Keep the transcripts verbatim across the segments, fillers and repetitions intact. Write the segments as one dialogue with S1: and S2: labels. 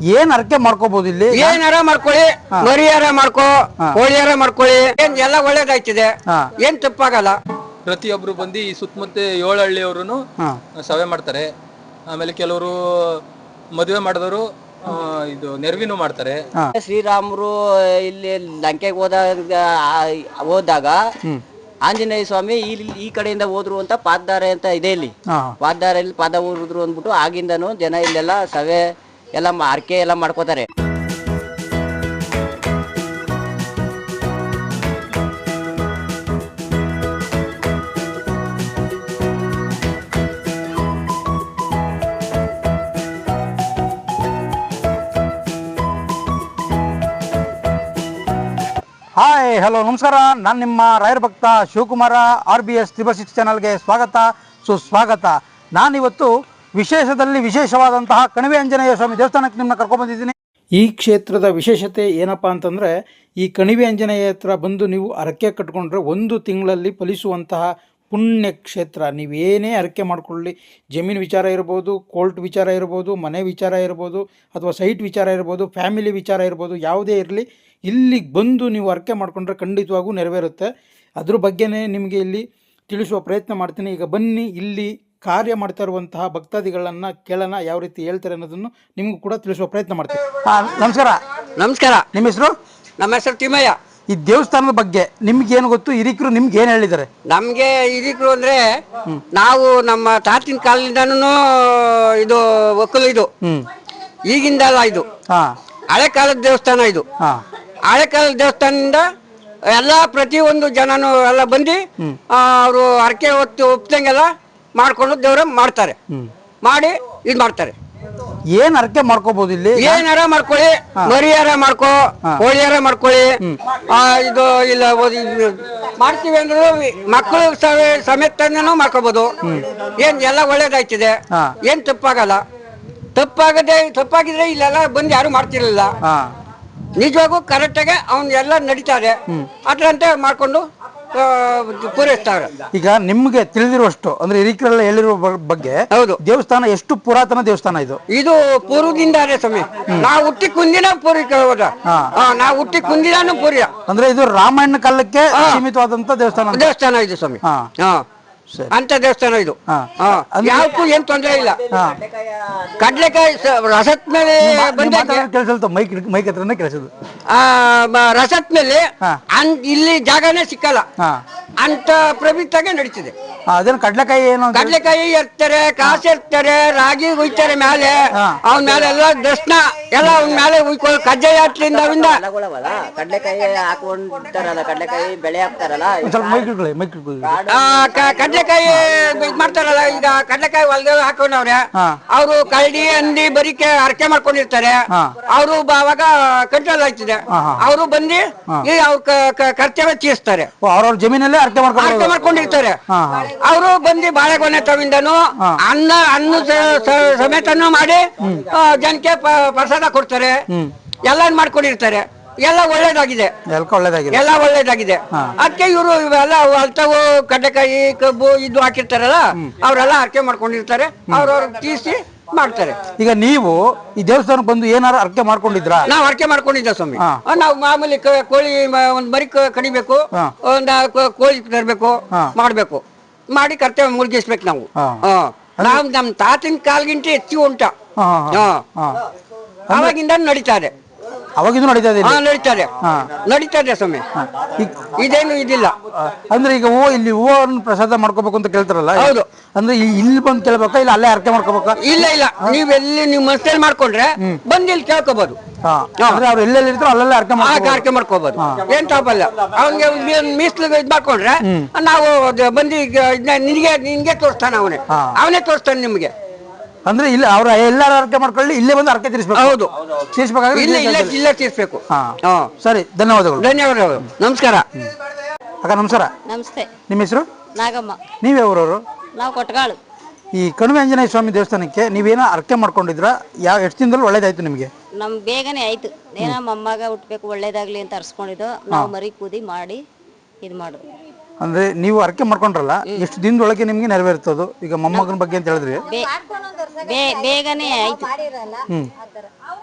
S1: ಏನ್ ಅರ್ಕೆ ಮಾಡ್ಕೋಬಹುದು ಇಲ್ಲಿ?
S2: ಏನಾರ ಮಾಡ್ಕೊಳ್ಳಿ, ಮರಿಯಾರ ಮಾಡ್ಕೋ, ಕೋಳಿಯಾರ ಮಾಡ್ಕೊಳ್ಳಿ, ಏನ್ ಎಲ್ಲ ಒಳ್ಳೇದಾಯ್ತಿದೆ, ಏನ್ ತಪ್ಪಾಗಲ್ಲ.
S3: ಪ್ರತಿಯೊಬ್ರು ಬಂದು ಈ ಸುತ್ತಮುತ್ತ ಏಳು ಹಳ್ಳಿಯವರು ಸಭೆ ಮಾಡ್ತಾರೆ. ಆಮೇಲೆ ಕೆಲವರು ಮದುವೆ ಮಾಡಿದವರು ಇದು ನೆರವಿನೂ ಮಾಡ್ತಾರೆ.
S4: ಶ್ರೀರಾಮರು ಇಲ್ಲಿ ಲಂಕೆಗೆ ಹೋದಾಗ ಹೋದಾಗ ಆಂಜನೇಯ ಸ್ವಾಮಿ ಇಲ್ಲಿ ಈ ಕಡೆಯಿಂದ ಹೋದ್ರು ಅಂತ ಪಾದದಾರೆ ಅಂತ ಇದೆ. ಇಲ್ಲಿ ಪಾದದಾರೆಯಲ್ಲಿ ಪಾದ ಊರಿದ್ರು ಅಂದ್ಬಿಟ್ಟು ಆಗಿಂದನು ಜನ ಇಲ್ಲೆಲ್ಲ ಸಭೆ ಎಲ್ಲ ಅರ್ಕೆ ಎಲ್ಲ ಮಾಡ್ಕೋತಾರೆ.
S1: ಹಾಯ್, ಹಲೋ, ನಮಸ್ಕಾರ. ನಾನು ನಿಮ್ಮ ರಾಯರ ಭಕ್ತ Shivakumara. R B S triple six ಚಾನಲ್ಗೆ ಸ್ವಾಗತ, ಸುಸ್ವಾಗತ. ನಾನಿವತ್ತು ವಿಶೇಷದಲ್ಲಿ ವಿಶೇಷವಾದಂತಹ ಕಣಿವೆ ಆಂಜನೇಯ ಸ್ವಾಮಿ ದೇವಸ್ಥಾನಕ್ಕೆ ನಿಮ್ಮನ್ನ ಕರ್ಕೊಂಡ್ಬಂದಿದ್ದೀನಿ. ಈ ಕ್ಷೇತ್ರದ ವಿಶೇಷತೆ ಏನಪ್ಪ ಅಂತಂದರೆ, ಈ ಕಣಿವೆ ಆಂಜನೇಯ ಹತ್ರ ಬಂದು ನೀವು ಹರಕೆ ಕಟ್ಕೊಂಡ್ರೆ ಒಂದು ತಿಂಗಳಲ್ಲಿ ಫಲಿಸುವಂತಹ ಪುಣ್ಯ ಕ್ಷೇತ್ರ. ನೀವೇನೇ ಹರಕೆ ಮಾಡಿಕೊಳ್ಳಿ, ಜಮೀನು ವಿಚಾರ ಇರ್ಬೋದು, ಕೋರ್ಟ್ ವಿಚಾರ ಇರ್ಬೋದು, ಮನೆ ವಿಚಾರ ಇರ್ಬೋದು, ಅಥವಾ ಸೈಟ್ ವಿಚಾರ ಇರ್ಬೋದು, ಫ್ಯಾಮಿಲಿ ವಿಚಾರ ಇರ್ಬೋದು, ಯಾವುದೇ ಇರಲಿ, ಇಲ್ಲಿಗೆ ಬಂದು ನೀವು ಹರಕೆ ಮಾಡಿಕೊಂಡ್ರೆ ಖಂಡಿತವಾಗೂ ನೆರವೇರುತ್ತೆ. ಅದ್ರ ಬಗ್ಗೆನೇ ನಿಮಗೆ ಇಲ್ಲಿ ತಿಳಿಸುವ ಪ್ರಯತ್ನ ಮಾಡ್ತೀನಿ. ಈಗ ಬನ್ನಿ, ಇಲ್ಲಿ ಕಾರ್ಯ ಮಾಡ್ತಾ ಇರುವಂತಹ ಭಕ್ತಾದಿಗಳನ್ನು ಕೇಳೋಣ, ಯಾವ ರೀತಿ ಹೇಳ್ತಾರೆ ಅನ್ನೋದನ್ನು ನಿಮಗೂ ಕೂಡ ತಿಳಿಸುವ ಪ್ರಯತ್ನ ಮಾಡ್ತೀನಿ. ನಮಸ್ಕಾರ.
S2: ನಮಸ್ಕಾರ.
S1: ನಿಮ್ಮ ಹೆಸರು?
S2: ನಮ್ಮ ಹೆಸರು ತಿಮ್ಮಯ್ಯ.
S1: ಈ ದೇವಸ್ಥಾನದ ಬಗ್ಗೆ ನಿಮ್ಗೇನು ಗೊತ್ತು? ಹಿರಿಕರು ನಿಮ್ಗೆ ಏನು ಹೇಳಿದ್ದಾರೆ?
S2: ನಮ್ಗೆ ಹಿರಿಕರು ಅಂದ್ರೆ ನಾವು ನಮ್ಮ ತಾತಿನ ಕಾಲದಿಂದನೂ ಇದು ಒಕ್ಕಲು, ಇದು ಈಗಿಂದಲ್ಲ, ಇದು ಹಳೆ ಕಾಲದ ದೇವಸ್ಥಾನ. ಇದು ಹಳೆ ಕಾಲದ ದೇವಸ್ಥಾನದಿಂದ ಎಲ್ಲ ಪ್ರತಿಯೊಂದು ಜನನು ಎಲ್ಲ ಬಂದು ಅವರು ಹರಕೆ ಹೊತ್ತು ಒಪ್ತಂಗೆಲ್ಲ ಮಾಡ್ಕೊಂಡು ದೇವ್ರ ಮಾಡ್ತಾರೆ, ಮಾಡಿ ಇದು ಮಾಡ್ತಾರೆ.
S1: ಏನ್ ಹರಕೆ ಮಾಡ್ಕೋಬಹುದು ಇಲ್ಲಿ?
S2: ಏನಾರ ಮಾಡ್ಕೊಳ್ಳಿ, ಮರಿಯಾರ ಮಾಡ್ಕೋ, ಕೋಳಿಯಾರ ಮಾಡ್ಕೊಳ್ಳಿ, ಇದು ಇಲ್ಲ ಮಾಡ್ತೀವಿ ಅಂದ್ರೆ ಮಕ್ಕಳು ಸಮೇತನೂ ಮಾಡ್ಕೋಬಹುದು. ಏನ್ ಎಲ್ಲ ಒಳ್ಳೇದಾಯ್ತಿದೆ, ಏನ್ ತಪ್ಪಾಗಲ್ಲ. ತಪ್ಪಾಗದೆ ತಪ್ಪಾಗಿದ್ರೆ ಇಲ್ಲೆಲ್ಲ ಬಂದು ಯಾರು ಮಾಡ್ತಿರ್ಲಿಲ್ಲ. ನಿಜವಾಗೂ ಕರೆಕ್ಟಾಗಿ ಅವ್ನ್ ಎಲ್ಲ ನಡೀತಾರೆ, ಅದ್ರಂತೆ ಮಾಡ್ಕೊಂಡು ಪೂರೈಸ್ತಾರೆ.
S1: ಈಗ ನಿಮ್ಗೆ ತಿಳಿದಿರುವಷ್ಟು ಅಂದ್ರೆ ಹಿರಿಕರೆಲ್ಲ ಹೇಳಿರುವ ಬಗ್ಗೆ,
S2: ಹೌದು,
S1: ದೇವಸ್ಥಾನ ಎಷ್ಟು ಪುರಾತನ ದೇವಸ್ಥಾನ ಇದು?
S2: ಇದು ಪೂರ್ವದಿಂದ ಸ್ವಾಮಿ. ನಾವು ಹುಟ್ಟಿ ಕುಂದಿನ ಪೂರಿ ಹೋದ ನಾವು ಹುಟ್ಟಿ ಕುಂದಿನಾನು ಪೂರ್ಯ
S1: ಅಂದ್ರೆ ಇದು ರಾಮಾಯಣ ಕಾಲಕ್ಕೆ ಸೀಮಿತವಾದಂತ ದೇವಸ್ಥಾನ
S2: ದೇವಸ್ಥಾನ ಇದು ಸ್ವಾಮಿ. ಹಾ, ಅಂತ ದೇವಸ್ಥಾನ ಇದು. ಯಾವಕ್ಕೂ ಏನ್ ತೊಂದರೆ ಇಲ್ಲ. ಕಡ್ಲೆಕಾಯಿ ರಸತ್ ಮೇಲೆ
S1: ಕೆಲಸ ಮೈಕ್ ಮೈಕ್ ಹತ್ರನೇ ಕೆಲಸದು
S2: ರಸತ್ ಮೇಲೆ ಇಲ್ಲಿ ಜಾಗನೇ ಸಿಕ್ಕಲ್ಲ ಅಂತ ಪ್ರವೃತ್ತಾಗೆ ನಡೀತಿದೆ.
S1: ಅದೇನು ಕಡ್ಲೆಕಾಯಿ ಏನು?
S2: ಕಡ್ಲೆಕಾಯಿ ಎರ್ತಾರೆ, ಕಾಸು ಎರ್ತಾರೆ, ರಾಗಿ ಹುಯ್ತಾರೆ ಮೇಲೆ, ಅವನ ಮೇಲೆ ಎಲ್ಲ ದರ್ಶನ ಎಲ್ಲ ಅವನ ಮೇಲೆ ಹುಯ್ಕೊ ಕಜ್ಜಾಯ ಹತ್ಲಿಂದ ಅವಿಂದ
S4: ಕಡ್ಲೆಕಾಯಿ ಹಾಕೊಂಡ್ತಾರಲ್ಲ, ಕಡ್ಲೆಕಾಯಿ ಬೆಳೆ ಹಾಕ್ತಾರಲ್ಲ,
S2: ಕಡ್ಲೆಕಾಯಿ ಇದ್ ಮಾಡ್ತಾರಲ್ಲ. ಈಗ ಕಡ್ಲೆಕಾಯಿ ಹೊಲ್ದ ಹಾಕೊಂಡವ್ರೆ, ಅವರು ಕಳ್ಳಿ ಹಂದಿ ಬರಿಕೆ ಹರಕೆ ಮಾಡ್ಕೊಂಡಿರ್ತಾರೆ. ಅವರು ಅವಾಗ ಕಂಟ್ರೋಲ್ ಆಗ್ತಿದೆ, ಅವರು ಬಂದು ಅವ್ರ ಕರ್ತವ್ಯ ತೀರಿಸ್ತಾರೆ.
S1: ಅವ್ರವ್ರ ಜಮೀನಲ್ಲೇ ಹರಕೆ
S2: ಹರಕೆ ಮಾಡ್ಕೊಂಡಿರ್ತಾರೆ. ಅವರು ಬಂದು ಬಾಳೆಗೊನೆ ತವಿಂದನು ಅನ್ನ ಅನ್ನ ಸಮೇತನು ಮಾಡಿ ಜನಕ್ಕೆ ಪ್ರಸಾದ ಕೊಡ್ತಾರೆ. ಎಲ್ಲ ಮಾಡ್ಕೊಂಡಿರ್ತಾರೆ. ಎಲ್ಲ ಒಳ್ಳೇದಾಗಿದೆ, ಎಲ್ಲ ಒಳ್ಳೇದಾಗಿದೆ. ಅದಕ್ಕೆ ಇವರು ಇವೆಲ್ಲ ಅಲ್ತವು ಕಡ್ಲೆಕಾಯಿ ಕಬ್ಬು ಇದು ಹಾಕಿರ್ತಾರಲ್ಲ, ಅವರೆಲ್ಲ ಹರಕೆ ಮಾಡ್ಕೊಂಡಿರ್ತಾರೆ. ಅವ್ರವ್ರ ತೀರಿಸಿ ಮಾಡ್ತಾರೆ.
S1: ಈಗ ನೀವು ಈ ದೇವಸ್ಥಾನಕ್ಕೆ ಬಂದು ಏನಾರು ಹರಕೆ ಮಾಡ್ಕೊಂಡಿದ್ರ?
S2: ನಾವ್ ಹರಕೆ ಮಾಡ್ಕೊಂಡಿದ್ದ ಸ್ವಾಮಿ. ನಾವು ಮಾಮೂಲಿ ಕೋಳಿ ಒಂದ್ ಮರಿ ಕಡಿಬೇಕು, ಒಂದ್ ಕೋಳಿ ತರ್ಬೇಕು, ಮಾಡ್ಬೇಕು, ಮಾಡಿ ಕರ್ತವ್ಯ ಮುಳುಗಿಸ್ಬೇಕು ನಾವು. ನಾವು ನಮ್ ತಾತಿನ ಕಾಲ್ಗಿಂತ ಹೆಚ್ಚು ಉಂಟ ಅವಾಗಿಂದ ನಡೀತಾರೆ.
S1: ಅವಾಗಿಂದ ನಡೀತಾ ಇದೆ?
S2: ನಡೀತಾರೆ, ನಡೀತಾರೆ ಸ್ವಾಮಿ. ಇದೇನು ಇದಿಲ್ಲ
S1: ಅಂದ್ರೆ ಈಗ ಹೂವು ಇಲ್ಲಿ ಹೂವನ್ನು ಪ್ರಸಾದ ಮಾಡ್ಕೋಬೇಕು ಅಂತ ಕೇಳ್ತಾರಲ್ಲ,
S2: ಹೌದು.
S1: ಅಂದ್ರೆ ಇಲ್ಲಿ ಬಂದು ಕೇಳ್ಬೇಕಾ ಇಲ್ಲ ಅಲ್ಲೇ ಹರಕೆ ಮಾಡ್ಕೋಬೇಕಾ?
S2: ಇಲ್ಲ ಇಲ್ಲ, ನೀವ್ ಎಲ್ಲಿ ನೀವು ಮನಸ್ಸಲ್ಲಿ ಮಾಡ್ಕೊಂಡ್ರೆ ಬಂದು ಇಲ್ಲಿ ಕೇಳ್ಕೋಬಹುದು.
S1: ಅವ್ರು ಎಲ್ಲೆಲ್ಲಿ ಇರ್ತಾರೋ ಅಲ್ಲೆಲ್ಲ ಹರಕೆ
S2: ಹರಕೆ ಮಾಡ್ಕೋಬಹುದು, ಏನ್ ತಪ್ಪಲ್ಲ. ಅವ್ನಿಗೆ ಮೀಸಲು ಇದ್ ಮಾಡ್ಕೊಂಡ್ರೆ ನಾವು ಬಂದು ನಿನ್ಗೆ ನಿನ್ಗೆ ತೋರಿಸ್ತಾನೆ, ಅವನೇ ಅವನೇ ತೋರಿಸ್ತಾನೆ ನಿಮ್ಗೆ.
S1: ಅಂದ್ರೆ ಇಲ್ಲ ಅವ್ರ ಎಲ್ಲಾರು ಹರಕೆ ಮಾಡ್ಕೊಳ್ಳಿ, ಇಲ್ಲೇ ಬಂದು ಹರಕೆ ತೀರಿಸ್ಬೇಕು.
S2: ಹೌದು,
S1: ತೀರಿಸ್ಬೇಕಾದ್ರೆ
S2: ಇಲ್ಲ ಇಲ್ಲ ಇಲ್ಲೇ ತೀರಿಸ್ಬೇಕು.
S1: ಸರಿ, ಧನ್ಯವಾದಗಳು.
S2: ಧನ್ಯವಾದಗಳು. ನಮಸ್ಕಾರ.
S1: ಅಕ್ಕ ನಮಸ್ಕಾರ.
S5: ನಮಸ್ತೆ.
S1: ನಿಮ್ಮ ಹೆಸರು?
S5: ನಾಗಮ್ಮ.
S1: ನೀವೇ ಊರವರು?
S5: ನಾವು ಕೊಟ್ಟಗಾಳು.
S1: ಈ ಕಣಿವೆ ಆಂಜನೇಯ ಸ್ವಾಮಿ ದೇವಸ್ಥಾನಕ್ಕೆ ನೀವೇನೋ ಹರಕೆ ಮಾಡ್ಕೊಂಡಿದ್ರ? ಯಾವ ಎಷ್ಟು ದಿನದಲ್ಲಿ ಒಳ್ಳೇದಾಯ್ತು ನಿಮ್ಗೆ?
S5: ನಮ್ ಬೇಗನೆ ಆಯ್ತು. ಏನೋ ಮೊಮ್ಮಗ ಹುಟ್ಬೇಕು ಒಳ್ಳೇದಾಗ್ಲಿ ಅಂತ ಅರ್ಸ್ಕೊಂಡಿದ್ದು ನಾವು ಮರಿ ಕೂದಿ ಮಾಡಿ ಇದು ಮಾಡುದು.
S1: ಅಂದ್ರೆ ನೀವು ಹರಕೆ ಮಾಡ್ಕೊಂಡ್ರಲ್ಲ, ಎಷ್ಟು ದಿನದೊಳಗೆ ನಿಮ್ಗೆ ನೆರವೇರ್ತದು? ಈಗ ಮೊಮ್ಮಗನ ಬಗ್ಗೆ ಅಂತ ಹೇಳಿದ್ರಿ,
S5: ಬೇಗನೆ ಆಯ್ತು.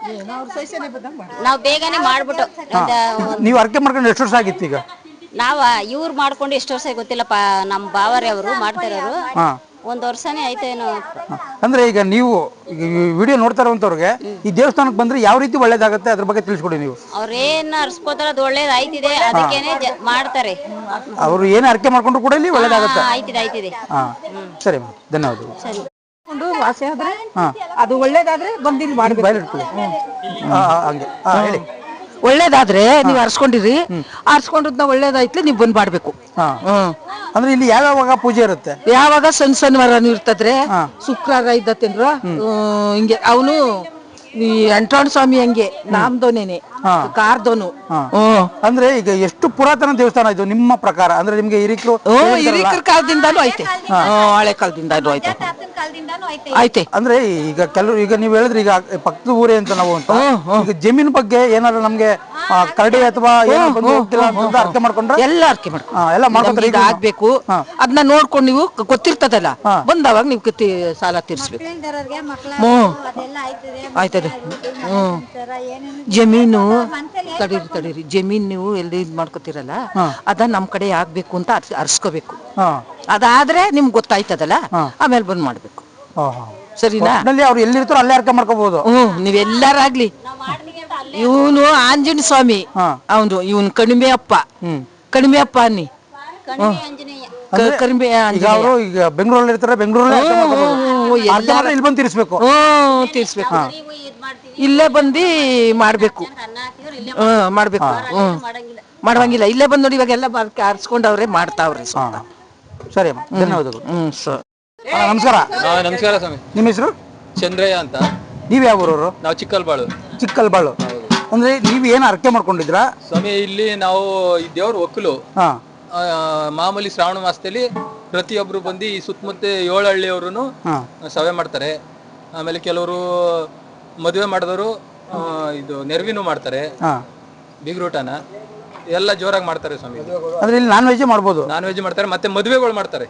S5: ನಾವು ಬೇಗನೆ ಮಾಡ್ಬಿಟ್ಟು ಒಂದ್-
S1: ನೀವು ಅರ್ಕೆ ಮಾಡ್ಕೊಂಡು ಎಷ್ಟು ವರ್ಷ ಆಗಿತ್ತು ಈಗ?
S5: ನಾವ ಇವ್ರು ಮಾಡ್ಕೊಂಡು ಎಷ್ಟು ವರ್ಷ ಗೊತ್ತಿಲ್ಲಪ್ಪ, ನಮ್ಮ ಬಾವರೇ ಅವರು ಮಾಡ್ತಿರೋರು. ಒಂದ್ ವರ್ಷನೇ ಆಯ್ತೇನೋ.
S1: ಅಂದ್ರೆ ಈಗ ನೀವು ವಿಡಿಯೋ ನೋಡ್ತಾ ಇರುವಂತವ್ರಿಗೆ ಈ ದೇವಸ್ಥಾನಕ್ಕೆ ಬಂದ್ರೆ ಯಾವ ರೀತಿ ಒಳ್ಳೇದಾಗುತ್ತೆ ಅದ್ರ ಬಗ್ಗೆ ತಿಳಿಸ್ಕೊಡಿ ನೀವು.
S5: ಅವ್ರೇನ್ ಅರ್ಸ್ಕೋತಾರ ಅದು ಒಳ್ಳೇದ್ ಆಯ್ತಿದೆ, ಅದಕ್ಕೇನೆ ಜ- ಮಾಡ್ತಾರೆ.
S1: ಅವರು ಏನೇ ಅರ್ಕೆ ಮಾಡ್ಕೊಂಡ್ರು ಕೂಡ ಇಲ್ಲಿ ಒಳ್ಳೇದಾಗುತ್ತೆ.
S5: ಹಾ, ಆಯ್ತಿದೆ ಆಯ್ತಿದೆ.
S1: ಹಾ ಸರಿ ಮೇಡಮ್, ಧನ್ಯವಾದಗಳು.
S5: ಸರಿ.
S6: ವಾಸಿ ಆದ್ರೆ ಅದು ಒಳ್ಳೇದಾದ್ರೆ ಬಂದಿಲ್ಲಿ ಮಾಡ್ಬೇಕು.
S1: ಬಯಲು ಇಟ್ಕೊಳ್ಳಿ. ಹಾ, ಹಾ, ಹಂಗೆ ಹಾ ಹೇಳಿ.
S6: ಒಳ್ಳೇದಾದ್ರೆ ನೀವು ಅರ್ಸ್ಕೊಂಡಿರಿ, ಅರ್ಸ್ಕೊಂಡ್ರದ್ನ ಒಳ್ಳೇದಾಯ್ತು ನೀವು ಬಂದ್ ಮಾಡ್ಬೇಕು.
S1: ಹಾ ಅಂದ್ರೆ ಇಲ್ಲಿ ಯಾವ್ಯಾವಾಗ ಪೂಜೆ ಇರುತ್ತೆ?
S6: ಯಾವಾಗ ಸಣ್ಣ ಸಣ್ಣವಾರನು ಇರ್ತದ್ರೆ, ಶುಕ್ರವಾರ ಇದ್ದತ್ತೇನ್ರ ಹಿಂಗೆ ಅವನು ಈ ಅಂಟ್ರಾಣ ಸ್ವಾಮಿ ಹಂಗೆ ನಾಮ್ದೋನೇನೆ ಕಾರ್ದೋನು.
S1: ಅಂದ್ರೆ ಈಗ ಎಷ್ಟು ಪುರಾತನ ದೇವಸ್ಥಾನ ಇದು ನಿಮ್ಮ ಪ್ರಕಾರ? ಅಂದ್ರೆ ನಿಮ್ಗೆ ಹಿರಿಕರು
S6: ಹಿರಿಕರ ಕಾಲದಿಂದಾನು ಐತೆ, ಹಳೆ ಕಾಲದಿಂದಾನು ಐತೆ ಐತೆ.
S1: ಅಂದ್ರೆ ಈಗ ಕೆಲವರು ಈಗ ನೀವು ಹೇಳಿದ್ರೆ ಈಗ ಪಕ್ಕದ ಊರೇ ಅಂತ ನಾವು ಅಂತ ಈಗ ಜಮೀನ್ ಬಗ್ಗೆ ಏನಾದ್ರು ನಮ್ಗೆ ಕರಡಿ ಅಥವಾ ಅರ್ಕೆ ಮಾಡ್ಕೊಂಡ್ರೆ
S6: ಎಲ್ಲ ಅರ್ಕೆ ಮಾಡ್ಕೊಂಡು
S1: ಎಲ್ಲ ಮಾಡ್ಕೊಂಡ್ರೆ
S6: ಈಗ ಆಗ್ಬೇಕು. ಅದನ್ನ ನೋಡ್ಕೊಂಡು ನೀವು ಗೊತ್ತಿರ್ತದಲ್ಲ, ಬಂದವಾಗ ನೀವು ಕತ್ತಿ ಸಾಲ ತೀರ್ಸ್ಬೇಕು. ಹ್ಮ್ ಆಯ್ತದೆ. ಹ್ಮ್ ಜಮೀನು ತಡೀರಿ ತಡೀರಿ ಜಮೀನ್ ನೀವು ಎಲ್ಲಿ ಇದ್ ಮಾಡ್ಕೊತಿರಲ್ಲ, ಅದ ನಮ್ ಕಡೆ ಆಗ್ಬೇಕು ಅಂತ ಅರ್ಸ್ಕೋಬೇಕು. ಅದಾದ್ರೆ ನಿಮ್ಗೆ ಗೊತ್ತಾಯ್ತದಲ್ಲ, ಆಮೇಲೆ ಬಂದ್ ಮಾಡ್ಬೇಕು. ಸರಿನಾ?
S1: ಅವ್ರು ಎಲ್ಲಿರ್ತಾರೋ ಅಲ್ಲೇ ಅರ್ಕೆ ಮಾಡ್ಕೋಬಹುದು.
S6: ಹ್ಮ್ ನೀವೆಲ್ಲಾರಾಗ್ಲಿ. ಇವನು ಆಂಜನೇಯ ಸ್ವಾಮಿ, ಅವನು ಇವನ್ ಕಣಿಮೆ ಅಪ್ಪ, ಕಣಿಮೆ ಅಪ್ಪ ಅನ್ನಿ. ಕಣಿಮೆ
S1: ಈಗ ಅವರು ಈಗ ಬೆಂಗಳೂರಲ್ಲಿ ಇರ್ತಾರೆ, ಬೆಂಗಳೂರಲ್ಲಿ ಇಲ್ಲಿ ಬಂದು ತೀರಿಸ್ಬೇಕು.
S6: ಹ್ಮ್ ತೀರ್ಸ್ಬೇಕು. ಇಲ್ಲೇ ಬಂದು ಮಾಡ್ಬೇಕು. ಹ್ಮ್ ಮಾಡ್ಬೇಕು. ಹ್ಮ್ ಮಾಡುವಂಗಿಲ್ಲ. ಇಲ್ಲೇ ಬಂದ್ ನೋಡಿ ಇವಾಗ ಎಲ್ಲ ಆರಿಸ್ಕೊಂಡವ್ರೆ ಮಾಡ್ತಾವ್ರೆ.
S1: ಸರಿ ಅಮ್ಮ, ಧನ್ಯವಾದಗಳು.
S6: ಹ್ಮ್ ಸರ್
S1: ನಮಸ್ಕಾರ.
S3: ನಮಸ್ಕಾರ ಸ್ವಾಮಿ.
S1: ನಿಮ್ಮ ಹೆಸರು?
S3: ಚಂದ್ರಯ್ಯ ಅಂತ.
S1: ನೀವ್ ಯಾವ ಊರವರು?
S3: ನಾವು ಚಿಕ್ಕಲ್ಬಾಳು.
S1: ಚಿಕ್ಕಲ್ಬಾಳು. ಅಂದ್ರೆ ನೀವ್ ಏನ್ ಅರ್ಕೆ ಮಾಡ್ಕೊಂಡಿದ್ರಾ
S3: ಸ್ವಾಮಿ? ಇಲ್ಲಿ ನಾವು ಈ ದೇವ್ರ ಒಕ್ಕಲು.
S1: ಹಾ
S3: ಮಾಮೂಲಿ ಶ್ರಾವಣ ಮಾಸದಲ್ಲಿ ಪ್ರತಿಯೊಬ್ರು ಬಂದು ಈ ಸುತ್ತಮುತ್ತ ಏಳು ಹಳ್ಳಿಯವರು ಸಭೆ ಮಾಡ್ತಾರೆ. ಆಮೇಲೆ ಕೆಲವರು ಮದುವೆ ಮಾಡಿದವರು ಇದು ನೆರವಿನೂ ಮಾಡ್ತಾರೆ, ಬೀಗ್ರೂಟನ ಎಲ್ಲ ಜೋರಾಗಿ ಮಾಡ್ತಾರೆ ಸ್ವಾಮಿ.
S1: ಅಂದ್ರೆ ಇಲ್ಲಿ ನಾನ್ ವೆಜ್ ಮಾಡ್ಬೋದು?
S3: ನಾನ್ ವೆಜ್ ಮಾಡ್ತಾರೆ, ಮತ್ತೆ ಮದುವೆಗಳು ಮಾಡ್ತಾರೆ.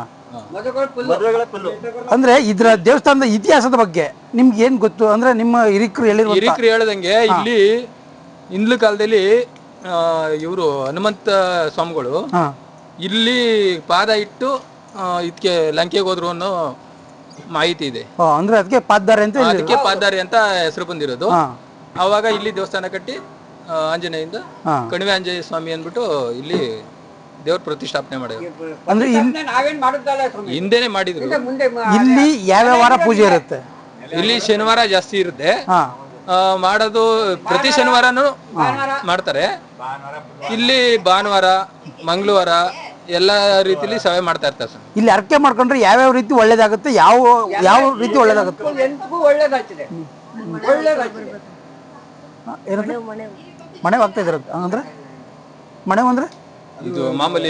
S1: ಅಂದ್ರೆ ಇದ್ರ ದೇವಸ್ಥಾನದ ಇತಿಹಾಸದ ಬಗ್ಗೆ ನಿಮ್ಗೆ ಏನ್ ಗೊತ್ತು? ಅಂದ್ರೆ ನಿಮ್ಮ ಹಿರಿಕರು ಹೇಳಿರೋ
S3: ಹಿರಿಕರು ಹೇಳ್ದಂಗೆ ಇಲ್ಲಿ ಹಿಂದ್ಲ ಕಾಲದಲ್ಲಿ ಇವರು ಹನುಮಂತ ಸ್ವಾಮಿಗಳು ಇಲ್ಲಿ ಪಾದ ಇಟ್ಟು ಇದಕ್ಕೆ ಲಂಕೆಗೆ ಹೋದ್ರು ಅನ್ನೋ ಮಾಹಿತಿ ಇದೆ.
S1: ಅಂದ್ರೆ ಅದಕ್ಕೆ ಪಾದಾರೆ ಅಂತ,
S3: ಅದಕ್ಕೆ ಪಾದಾರಿ ಅಂತ ಹೆಸರು ಬಂದಿರೋದು. ಅವಾಗ ಇಲ್ಲಿ ದೇವಸ್ಥಾನ ಕಟ್ಟಿ ಆಂಜನೇಯಿಂದ ಕಣಿವೆ ಆಂಜನೇಯ ಸ್ವಾಮಿ ಅಂದ್ಬಿಟ್ಟು ಇಲ್ಲಿ ದೇವ್ರ ಪ್ರತಿಷ್ಠಾಪನೆ ಮಾಡಿದ್ರು.
S1: ಅಂದ್ರೆ
S3: ಹಿಂದೆನೆ ಮಾಡಿದ್ರು.
S1: ಇಲ್ಲಿ ಯಾವ ವಾರ ಪೂಜೆ ಇರುತ್ತೆ?
S3: ಇಲ್ಲಿ ಶನಿವಾರ ಜಾಸ್ತಿ ಇರುತ್ತೆ ಮಾಡೋದು. ಪ್ರತಿ ಶನಿವಾರನು ಮಾಡ್ತಾರೆ. ಇಲ್ಲಿ ಭಾನುವಾರ, ಮಂಗಳವಾರ ಎಲ್ಲ ರೀತಿಲಿ ಸಭೆ ಮಾಡ್ತಾ ಇರ್ತಾರೆ ಸರ್.
S1: ಇಲ್ಲಿ ಅರ್ಕೆ ಮಾಡ್ಕೊಂಡ್ರೆ ಯಾವ್ಯಾವ ರೀತಿ ಒಳ್ಳೇದಾಗುತ್ತೆ? ಯಾವ ಯಾವ ರೀತಿ ಒಳ್ಳೇದಾಗುತ್ತೆ? ಮನೆ ಆಗ್ತಾ ಇದ್ರ ಅಂದ್ರೆ ಮನೆ ಅಂದ್ರೆ
S3: ಇದು ಮಾಮೂಲಿ.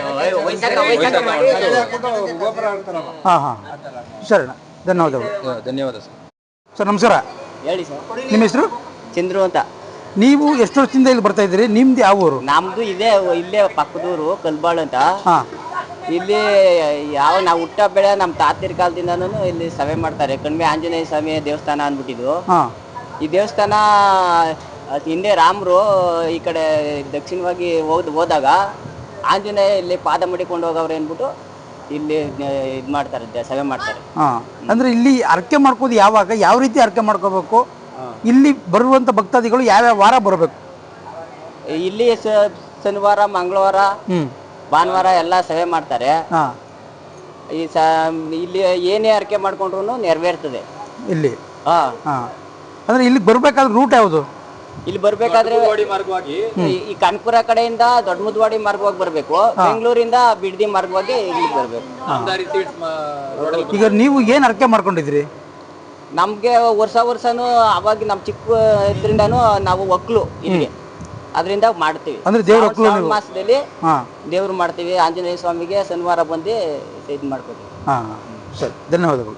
S1: ಹಾ ಹಾ ಸರಿ, ಧನ್ಯವಾದಗಳು.
S3: ಧನ್ಯವಾದ ಸರ್.
S1: ಸರ್ ನಮಸ್ಕಾರ.
S4: ಹೇಳಿ ಸರ್.
S1: ನಿಮ್ಮ ಹೆಸರು?
S4: ಚಂದ್ರು ಅಂತ.
S1: ನೀವು ಎಷ್ಟು ವರ್ಷದಿಂದ ಇಲ್ಲಿ ಬರ್ತಾ ಇದ್ದೀರಿ? ನಿಮ್ದು ಯಾವ ಊರು?
S4: ನಮ್ದು ಇದೇ ಇಲ್ಲೇ ಪಕ್ಕದೂರು ಕಲ್ಬಾಳು ಅಂತ. ಇಲ್ಲಿ ಯಾವ ನಾವು ಹುಟ್ಟ ಬೆಳೆ ನಮ್ಮ ತಾತಿರ ಕಾಲದಿಂದನೂ ಇಲ್ಲಿ ಸಭೆ ಮಾಡ್ತಾರೆ. ಕಣ್ಮೆ ಆಂಜನೇಯ ಸ್ವಾಮಿ ದೇವಸ್ಥಾನ ಅಂದ್ಬಿಟ್ಟಿದ್ದು. ಈ ದೇವಸ್ಥಾನ ಹಿಂದೆ ರಾಮರು ಈ ಕಡೆ ದಕ್ಷಿಣವಾಗಿ ಹೋದ್ ಹೋದಾಗ ಆಂಜನೇಯ ಇಲ್ಲಿ ಪಾದ ಮಡಿಕೊಂಡು ಹೋಗವ್ರೆ ಅಂದ್ಬಿಟ್ಟು ಇಲ್ಲಿ ಇದು ಮಾಡ್ತಾರೆ, ಸಭೆ ಮಾಡ್ತಾರೆ.
S1: ಅಂದ್ರೆ ಇಲ್ಲಿ ಅರ್ಕೆ ಮಾಡ್ಕೋದು ಯಾವಾಗ, ಯಾವ ರೀತಿ ಅರ್ಕೆ ಮಾಡ್ಕೋಬೇಕು? ಇಲ್ಲಿ ಬರುವಂತ ಭಕ್ತಾದಿಗಳು ಯಾವ್ಯಾವ ವಾರ ಬರಬೇಕು?
S4: ಇಲ್ಲಿ ಶನಿವಾರ, ಮಂಗಳವಾರ, ಭಾನುವಾರ ಎಲ್ಲ ಸಭೆ ಮಾಡ್ತಾರೆ. ಈ ಸ ಇಲ್ಲಿ ಏನೇ ಅರ್ಕೆ ಮಾಡ್ಕೊಂಡ್ರು ನೆರವೇರ್ತದೆ ಇಲ್ಲಿ. ಹಾ
S1: ಅಂದ್ರೆ ಇಲ್ಲಿ ಬರ್ಬೇಕಾದ್ರೆ ರೂಟ್ ಯಾವುದು?
S4: ಇಲ್ಲಿ ಬರ್ಬೇಕಾದ್ರೆ ಈ ಕಾನ್ಪುರ ಕಡೆಯಿಂದ ದೊಡ್ಡ ಮುದ್ವಾಡಿ ಮಾರ್ಗವಾಗಿ ಬರ್ಬೇಕು, ಬೆಂಗಳೂರಿಂದ ಬಿಡ್ದಿ ಮಾರ್ಗವಾಗಿ ಇಲ್ಲಿ ಬರ್ಬೇಕು.
S1: ಈಗ ನೀವು ಏನ್ ಅರ್ಕೆ ಮಾಡ್ಕೊಂಡಿದ್ರಿ?
S4: ನಮ್ಗೆ ವರ್ಷ ವರ್ಷನೂ ಅವಾಗ ನಮ್ ಚಿಕ್ಕ ಇದ್ರಿಂದಾನು ನಾವು ಒಕ್ಲು ಇಲ್ಲಿ ಅದರಿಂದ ಮಾಡ್ತೀವಿ.
S1: ಅಂದ್ರೆ ದೇವ್ರ ಒಕ್ಲು
S4: ಮಾಸದಲ್ಲಿ ದೇವ್ರು ಮಾಡ್ತೀವಿ. ಆಂಜನೇಯ ಸ್ವಾಮಿಗೆ ಶನಿವಾರ ಬಂದು ಇದು ಮಾಡ್ಕೊತೀವಿ.
S1: ಸರಿ, ಧನ್ಯವಾದಗಳು.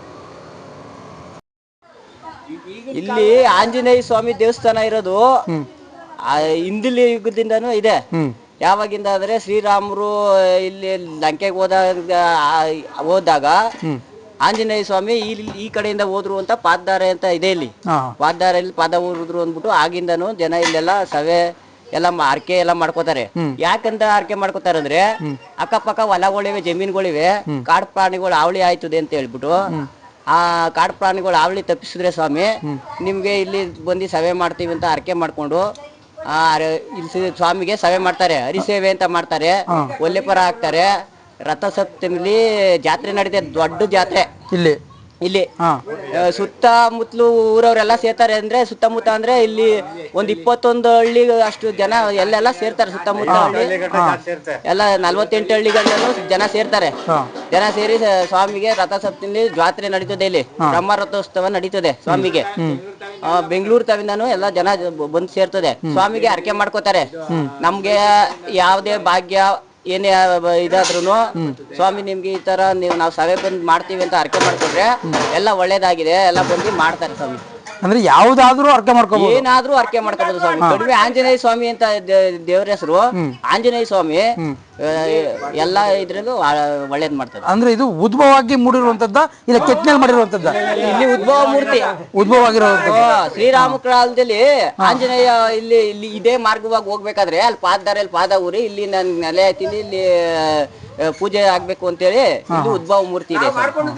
S4: ಇಲ್ಲಿ ಆಂಜನೇಯ ಸ್ವಾಮಿ ದೇವಸ್ಥಾನ ಇರೋದು ಹಿಂದಿಲಿ ಯುಗದಿಂದನೂ ಇದೆ. ಯಾವಾಗಿಂದ ಅಂದ್ರೆ ಶ್ರೀರಾಮರು ಇಲ್ಲಿ ಲಂಕೆಗೆ ಹೋದಾಗ ಹೋದಾಗ ಆಂಜನೇಯ ಸ್ವಾಮಿ ಈ ಈ ಕಡೆಯಿಂದ ಹೋದ್ರು ಅಂತ ಪಾದದಾರೆ ಅಂತ ಇದೆ ಇಲ್ಲಿ. ಪಾದದಾರೆಯಲ್ಲಿ ಪಾದ ಊರಿದ್ರು ಅಂದ್ಬಿಟ್ಟು ಆಗಿಂದನು ಜನ ಇಲ್ಲೆಲ್ಲ ಸವೆ ಎಲ್ಲ ಆರ್ಕೆ ಎಲ್ಲ ಮಾಡ್ಕೋತಾರೆ. ಯಾಕಂತ ಆರ್ಕೆ ಮಾಡ್ಕೋತಾರೆ ಅಂದ್ರೆ ಅಕ್ಕಪಕ್ಕ ಹೊಲಗಳಿವೆ, ಜಮೀನುಗಳಿವೆ, ಕಾಡು ಪ್ರಾಣಿಗಳು ಹಾವಳಿ ಆಯ್ತದೆ ಅಂತ ಹೇಳ್ಬಿಟ್ಟು ಆ ಕಾಡು ಪ್ರಾಣಿಗಳು ಹಾವಳಿ ತಪ್ಪಿಸಿದ್ರೆ ಸ್ವಾಮಿ ನಿಮ್ಗೆ ಇಲ್ಲಿ ಬಂದು ಸವೆ ಮಾಡ್ತೀವಿ ಅಂತ ಆರ್ಕೆ ಮಾಡ್ಕೊಂಡು ಆ ಇಲ್ಲಿ ಸ್ವಾಮಿಗೆ ಸವೆ ಮಾಡ್ತಾರೆ. ಹರಿಸೇವೆ ಅಂತ ಮಾಡ್ತಾರೆ, ಒಲ್ಲೆಪರ ಹಾಕ್ತಾರೆ. ರಥಸಪ್ತಮಿಲಿ ಜಾತ್ರೆ ನಡೀತದೆ, ದೊಡ್ಡ ಜಾತ್ರೆ ಇಲ್ಲಿ ಇಲ್ಲಿ ಸುತ್ತಮುತ್ತಲು ಊರವರೆಲ್ಲ ಸೇರ್ತಾರೆ. ಅಂದ್ರೆ ಸುತ್ತಮುತ್ತ ಅಂದ್ರೆ ಇಲ್ಲಿ ಒಂದ್ ಇಪ್ಪತ್ತೊಂದು ಹಳ್ಳಿ ಅಷ್ಟು ಜನ ಎಲ್ಲೆಲ್ಲ ಸೇರ್ತಾರೆ. ಸುತ್ತಮುತ್ತ ಹಳ್ಳಿ ಎಲ್ಲ ನಲ್ವತ್ತೆಂಟು ಹಳ್ಳಿಗಳಲ್ಲೂ ಜನ ಸೇರ್ತಾರೆ. ಜನ ಸೇರಿ ಸ್ವಾಮಿಗೆ ರಥಸಪ್ತಮಿಲಿ ಜಾತ್ರೆ ನಡೀತದೆ. ಇಲ್ಲಿ ಬ್ರಹ್ಮ ರಥೋತ್ಸವ ನಡೀತದೆ ಸ್ವಾಮಿಗೆ. ಬೆಂಗಳೂರು ತವಿಂದನು ಎಲ್ಲ ಜನ ಬಂದು ಸೇರ್ತದೆ. ಸ್ವಾಮಿಗೆ ಹರಕೆ ಮಾಡ್ಕೋತಾರೆ. ನಮ್ಗೆ ಯಾವ್ದೇ ಭಾಗ್ಯ ಏನೇ ಇದಾದ್ರೂ ಸ್ವಾಮಿ ನಿಮ್ಗೆ ಈ ತರ ನೀವು ನಾವು ಸಭೆ ಬಂದ್ ಮಾಡ್ತೀವಿ ಅಂತ ಅರ್ಕೆ ಮಾಡ್ಕೊಂಡ್ರೆ ಎಲ್ಲ ಒಳ್ಳೇದಾಗಿದೆ, ಎಲ್ಲ ಬಂದು ಮಾಡ್ತಾರೆ ಸ್ವಾಮಿ.
S1: ಅಂದ್ರೆ ಯಾವ್ದಾದ್ರು ಅರ್ಕೆ ಮಾಡ್ಕೋಬಹುದು,
S4: ಏನಾದ್ರೂ ಅರ್ಕೆ ಮಾಡ್ಕೋಬಹುದು ಸ್ವಾಮಿ. ಕಡಿಮೆ ಆಂಜನೇಯ ಸ್ವಾಮಿ ಅಂತ ದೇವ್ರ ಹೆಸರು ಆಂಜನೇಯ ಸ್ವಾಮಿ. ಎಲ್ಲ ಇದ್ರಲ್ಲೂ ಒಳ್ಳೇದ್ ಮಾಡ್ತಾರೆ.
S1: ಅಂದ್ರೆ ಇದು ಉದ್ಭವವಾಗಿ ಮೂಡಿರುವಂತದ್ದ ಇಲ್ಲ ಕೆತ್ತನೆಯಲ್ಲಿ ಮಾಡಿರುವಂತದ್ದ?
S4: ಇಲ್ಲಿ ಉದ್ಭವ ಮೂರ್ತಿ
S1: ಉದ್ಭವ ಆಗಿರುವಂತದ್ದು.
S4: ಶ್ರೀರಾಮ ಕಾಲದಲ್ಲಿ ಆಂಜನೇಯ ಇಲ್ಲಿ ಇಲ್ಲಿ ಇದೇ ಮಾರ್ಗವಾಗಿ ಹೋಗ್ಬೇಕಾದ್ರೆ ಅಲ್ಲಿ ಪಾದದಾರಲ್ಲಿ ಪಾದ ಊರಿ ಇಲ್ಲಿ ನನ್ ನೆಲೆ ಆಯ್ತೀನಿ, ಇಲ್ಲಿ ಪೂಜೆ ಆಗ್ಬೇಕು ಅಂತೇಳಿ ಇದು ಉದ್ಭವ ಮೂರ್ತಿ ಇದೆ.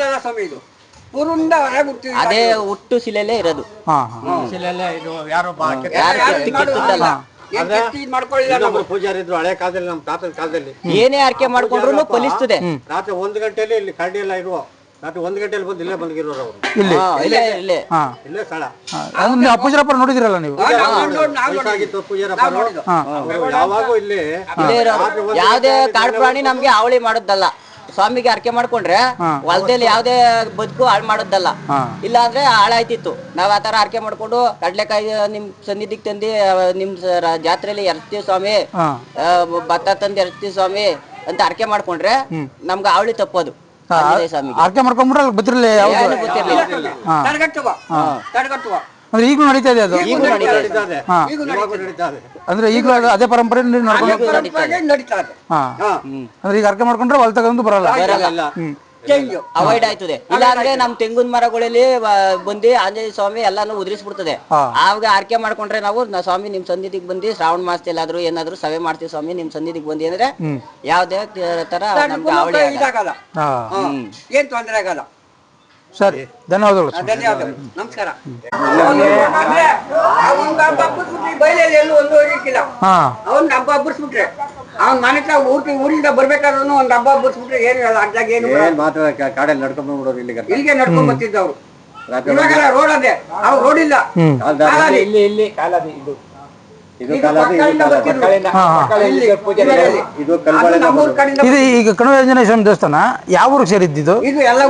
S4: ಅದೇ ಹುಟ್ಟು ಶಿಲೆಯಲ್ಲೇ ಇರೋದು.
S7: ಪೂಜಾರಿ ಇದ್ರು ಹಳೆ ಕಾಲದಲ್ಲಿ, ನಮ್ಮ ತಾತನ ಕಾಲದಲ್ಲಿ
S4: ಏನೇ ಆರ್ಕೆ ಮಾಡ್ಕೊಂಡ್ರು ಫಲಿಸ್ತದೆ.
S7: ರಾತ್ರಿ ಒಂದು ಗಂಟೆಯಲ್ಲಿ ಇಲ್ಲಿ ಕರಡಿ ಎಲ್ಲ ಇರುವ ರಾತ್ರಿ ಒಂದು ಗಂಟೆಯಲ್ಲಿ ಬಂದು ಇಲ್ಲೇ ಬಂದಿರೋರು ಅವರು.
S1: ಇಲ್ಲಿ
S4: ಇಲ್ಲೇ ಇಲ್ಲೇ
S7: ಇಲ್ಲೇ ಸ್ಥಳ.
S1: ಪೂಜಾರಪ್ಪ ನೋಡಿದಿರಲ್ಲ ನೀವು?
S7: ಯಾವಾಗೂ ಇಲ್ಲಿ
S4: ಯಾವ್ದೇ ಕಾಡು ಪ್ರಾಣಿ ನಮ್ಗೆ ಹಾವಳಿ ಮಾಡೋದಲ್ಲ. ಸ್ವಾಮಿಗೆ ಅರ್ಕೆ ಮಾಡ್ಕೊಂಡ್ರೆ ಹೊಲದಲ್ಲಿ ಯಾವ್ದೇ ಬದುಕು ಹಾಳು ಮಾಡೋದಲ್ಲ. ಇಲ್ಲ ಅಂದ್ರೆ ಹಾಳಾಯ್ತಿತ್ತು. ನಾವ್ ಆತರ ಅರ್ಕೆ ಮಾಡ್ಕೊಂಡು ಕಡ್ಲೆಕಾಯಿ ನಿಮ್ ಸನ್ನಿಧಿಗೆ ತಂದಿ ನಿಮ್ ಜಾತ್ರೆಯಲ್ಲಿ ಎರಸ್ತೀವಿ ಸ್ವಾಮಿ, ಭತ್ತ ತಂದು ಎರಸ್ತೀವಿ ಸ್ವಾಮಿ ಅಂತ ಅರ್ಕೆ ಮಾಡ್ಕೊಂಡ್ರೆ ನಮ್ಗೆ ಹಾವಳಿ ತಪ್ಪೋದು.
S1: ಅರ್ಕೆ ಮಾಡ್ಕೊಂಡ್ಬಿಟ್ರೆ ಅಲ್ಲಿ ಗೊತ್ತಿರಲಿಲ್ಲ, ಯಾವ್ದು ಗೊತ್ತಿರ್ಲಿಲ್ಲ. ಅಂದ್ರೆ ಈಗಲೂ ನಡೀತಾ ಇದೆ ಅದು? ಅಂದ್ರೆ ಈಗಲೂ ಅದೇ ಪರಂಪರೆ ಅಂದ್ರೆ ಈಗ ಅರ್ಕೆ ಮಾಡ್ಕೊಂಡ್ರೆ ಹೊಲ ತಗೊಂಡು ಬರಲ್ಲ,
S4: ಅವಾಯ್ಡ್ ಆಯ್ತದೆ. ಇಲ್ಲ ಅಂದ್ರೆ ನಮ್ ತೆಂಗಿನ ಮರಗಳಲ್ಲಿ ಬಂದು ಆಂಜನೇಯ ಸ್ವಾಮಿ ಎಲ್ಲಾನು ಉದುರಿಸ್ಬಿಡ್ತದೆ. ಆವಾಗ ಆರ್ಕೆ ಮಾಡ್ಕೊಂಡ್ರೆ ನಾವು ಸ್ವಾಮಿ ನಿಮ್ ಸನ್ನಿಧಿಗೆ ಬಂದು ಶ್ರಾವಣ ಮಾಸದಲ್ಲಾದ್ರೂ ಏನಾದ್ರು ಸಭೆ ಮಾಡ್ತೀವಿ ಸ್ವಾಮಿ ನಿಮ್ ಸನ್ನಿಧಿಗೆ ಬಂದಿ ಅಂದ್ರೆ ಯಾವ್ದೇ ತರ ನಮ್ಗೆ ಹಾವಳಿ ಆಗಲ್ಲ,
S2: ಏನ್ ತೊಂದರೆ ಆಗಲ್ಲ.
S1: ಸರಿ, ಧನ್ಯವಾದಗಳು.
S2: ಧನ್ಯವಾದಗಳು, ನಮಸ್ಕಾರ. ಬಯಲಲ್ಲಿ ಎಲ್ಲೂ ಒಂದು ಹೋಗಿಕ್ಕಿಲ್ಲ. ಅವ್ನ್ ಹಬ್ಬ ಹಬ್ಬಸ್ಬಿಟ್ರೆ ಅವ್ನ ಮನೆ ಊಟಿ ಊರಿಂದ ಬರ್ಬೇಕಾದ್ರೂ ಒಂದ್ ಹಬ್ಬ ಹಬ್ಬಸ್ಬಿಟ್ರೆ ಏನು ಅಡ್ಡಾಗ ಏನು
S7: ಮಾತ್ರ ಕಾಡಲ್ಲಿ ನಡ್ಕೊಂಡ್ ಬಂದ್ಬಿಡೋರು ಇಲ್ಲಿಗೆ
S2: ಇಲ್ಲಿಗೆ ನಡ್ಕೊಂಡ್ ಬರ್ತಿದ್ದವ್ರು. ಇವಾಗೆಲ್ಲ ರೋಡ್ ಅದೇ, ಅವ್ರು ರೋಡ್ ಇಲ್ಲ.
S7: ಇಲ್ಲಿ ಇಲ್ಲಿ ಕಾಲಾದಿ ಇದು ಇದು
S1: ಈಗ ಕಣಿವೆ ಆಂಜನೇಯ ಸ್ವಾಮಿ ದೇವಸ್ಥಾನ ಯಾವ ಊರಿಗೆ ಸೇರಿದ್ದು?
S2: ಇದು ಎಲ್ಲ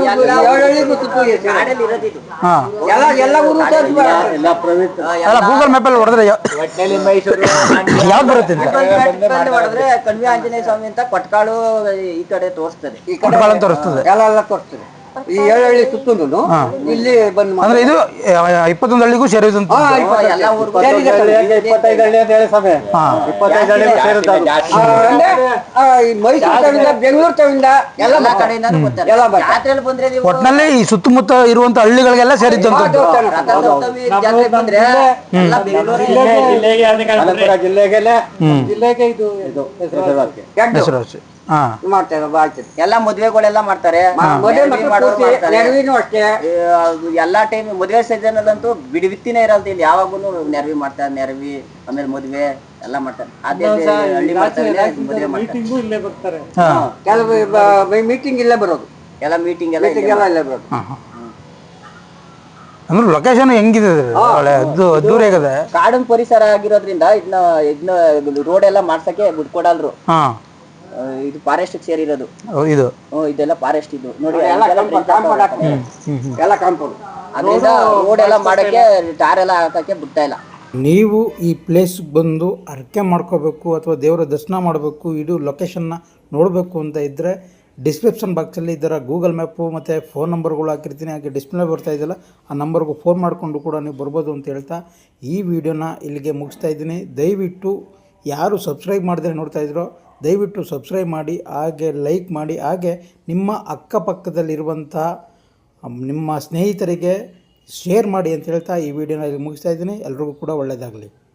S2: ಎಲ್ಲ ಊರು
S1: ಗೂಗಲ್ ಮ್ಯಾಪ್ ಅಲ್ಲಿ ಹೊಡೆದ್ರೆ ಯಾವ್ದು ಬರುತ್ತೆ?
S4: ಹೊಡೆದ್ರೆ ಕಣಿವೆ ಆಂಜನೇಯ ಸ್ವಾಮಿ ಅಂತ ಕೊಟ್ಕಾಳು ಈ ಕಡೆ ತೋರಿಸ್ತದೆ,
S2: ಈ ಕಡೆ ತೋರಿಸ್ತದೆ, ಎಲ್ಲ ಎಲ್ಲ ತೋರಿಸ್ತದೆ. ಈ ಏಳು ಹಳ್ಳಿ ಸುತ್ತಲೂ ಇಲ್ಲಿ ಬಂದು
S1: ಅಂದ್ರೆ ಇದು ಇಪ್ಪತ್ತೊಂದು ಹಳ್ಳಿಗೂ ಸೇರಿದಂತ
S2: ಮೈಸೂರು ಬೆಂಗಳೂರು ತವಿಂದ ಎಲ್ಲ ಕಡೆಯಿಂದ ಬಂದ್ರೆ
S1: ಒಟ್ಟಿನಲ್ಲಿ ಈ ಸುತ್ತಮುತ್ತ ಇರುವಂತ ಹಳ್ಳಿಗಳಿಗೆಲ್ಲ ಸೇರಿದ್ದಂತದ್ದು.
S7: ಜಿಲ್ಲೆಗೆ ಜಿಲ್ಲೆಗೆ ಇದು
S1: ಹೆಸರುವಾಸಿ
S4: ಎಲ್ಲಾ ಮದ್ವೆಗಳೆಲ್ಲ ಮಾಡ್ತಾರೆ. ಎಲ್ಲಾ ಟೈಮ್ ಮದ್ವೆ ಸೀಸನ್ ಅಲ್ಲಂತೂ ಬಿಡಿ ಬಿತ್ತಿನೇ ಇರಲ್ದು. ಇಲ್ಲಿ ಯಾವಾಗೂ ನೆರವಿ ಮಾಡ್ತಾರೆ, ನೆರವಿ ಆಮೇಲೆ ಮದ್ವೆ ಎಲ್ಲ ಮಾಡ್ತಾರೆ. ಅದೇ ಹಳ್ಳಿ ಮದ್ವೆ ಮಾಡ್ತಾರೆ.
S2: ಕೆಲವು ಮೀಟಿಂಗ್ ಇಲ್ಲೇ ಬರೋದು,
S4: ಎಲ್ಲ ಮೀಟಿಂಗ್ ಎಲ್ಲ
S2: ಇಲ್ಲೇ ಬರೋದು.
S1: ಅಂದ್ರೆ ಲೊಕೇಶನ್ ಹೆಂಗಿದೆ, ದೂರ ಆಗದೆ,
S4: ಕಾಡಿನ ಪರಿಸರ ಆಗಿರೋದ್ರಿಂದ ಇದನ್ನ ಇದನ್ನ ರೋಡ್ ಎಲ್ಲ ಮಾಡ್ಸಕ್ಕೆ ಬಿಟ್ಕೊಡಲ್ರು. ಇದು ಫಾರೆಸ್ಟ್ ಸೇರಿರೋದು
S1: ಇದು,
S4: ಇದೆಲ್ಲ ಫಾರೆಸ್ಟ್ ಇದು ನೋಡಿ,
S2: ಎಲ್ಲ ಕಾಂಪೌಂಡ್.
S4: ಅದರಿಂದ ರೋಡ್ ಎಲ್ಲ ಮಾಡಕ್ಕೆ ಟಾರ್ ಎಲ್ಲ ಹಾಕಕ್ಕೆ ಬಿಡ್ತಾ ಇಲ್ಲ.
S1: ನೀವು ಈ ಪ್ಲೇಸ್ ಬಂದು ಅರ್ಕೆ ಮಾಡ್ಕೋಬೇಕು ಅಥವಾ ದೇವರ ದರ್ಶನ ಮಾಡಬೇಕು, ಇದು ಲೊಕೇಶನ್ನ ನೋಡಬೇಕು ಅಂತ ಇದ್ದರೆ ಡಿಸ್ಕ್ರಿಪ್ಷನ್ ಬಾಕ್ಸಲ್ಲಿ ಇದರ ಗೂಗಲ್ ಮ್ಯಾಪು ಮತ್ತು ಫೋನ್ ನಂಬರ್ಗಳು ಹಾಕಿರ್ತೀನಿ. ಹಾಗೆ ಡಿಸ್ಪ್ಲೇ ಬರ್ತಾ ಇದೆಯಲ್ಲ ಆ ನಂಬರ್ಗೂ ಫೋನ್ ಮಾಡಿಕೊಂಡು ಕೂಡ ನೀವು ಬರ್ಬೋದು ಅಂತ ಹೇಳ್ತಾ ಈ ವಿಡಿಯೋನ ಇಲ್ಲಿಗೆ ಮುಗಿಸ್ತಾ ಇದ್ದೀನಿ. ದಯವಿಟ್ಟು ಯಾರು ಸಬ್ಸ್ಕ್ರೈಬ್ ಮಾಡಿದ್ರೆ ನೋಡ್ತಾ ಇದ್ರೋ ದಯವಿಟ್ಟು ಸಬ್ಸ್ಕ್ರೈಬ್ ಮಾಡಿ, ಹಾಗೆ ಲೈಕ್ ಮಾಡಿ, ಹಾಗೆ ನಿಮ್ಮ ಅಕ್ಕಪಕ್ಕದಲ್ಲಿರುವಂಥ ನಿಮ್ಮ ಸ್ನೇಹಿತರಿಗೆ ಶೇರ್ ಮಾಡಿ ಅಂತ ಹೇಳ್ತಾ ಈ ವಿಡಿಯೋನ ಇಲ್ಲಿ ಮುಗಿಸ್ತಾ ಇದ್ದೀನಿ. ಎಲ್ರಿಗೂ ಕೂಡ ಒಳ್ಳೆಯದಾಗಲಿ.